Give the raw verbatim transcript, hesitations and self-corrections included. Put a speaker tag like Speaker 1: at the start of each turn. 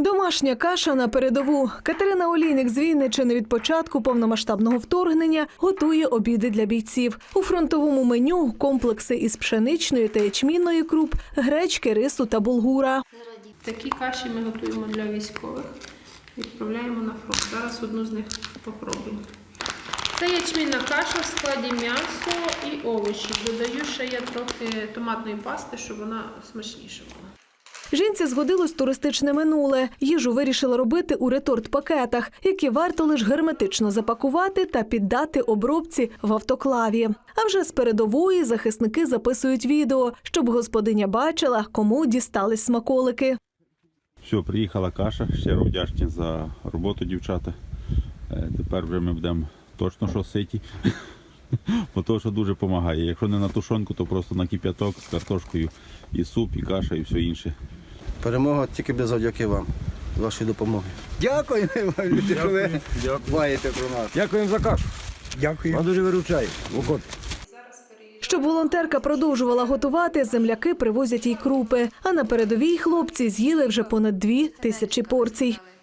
Speaker 1: Домашня каша на передову. Катерина Олійник з Вінниччини від початку повномасштабного вторгнення готує обіди для бійців. У фронтовому меню – комплекси із пшеничної та ячмінної круп, гречки, рису та булгура.
Speaker 2: Такі каші ми готуємо для військових. Відправляємо на фронт. Зараз одну з них попробуємо. Це ячмінна каша в складі м'ясо і овочі. Додаю ще я трохи томатної пасти, щоб вона смачніша була.
Speaker 1: Жінці згодилось туристичне минуле. Їжу вирішила робити у реторт-пакетах, які варто лише герметично запакувати та піддати обробці в автоклаві. А вже з передової захисники записують відео, щоб господиня бачила, кому дістались смаколики.
Speaker 3: Все, приїхала каша, щиро вдячні за роботу, дівчата. Тепер вже ми будемо точно що ситі, бо то, що дуже допомагає. Якщо не на тушонку, то просто на кип'яток з картошкою, і суп, і каша, і все інше.
Speaker 4: Перемога тільки без завдяки вам, вашої допомоги.
Speaker 5: Дякую, люди, що ви дбаєте про нас. Дякуємо за кашу. Дякую. Вам дуже виручає.
Speaker 1: Щоб волонтерка продовжувала готувати, земляки привозять їй крупи. А на передовій хлопці з'їли вже понад дві тисячі порцій.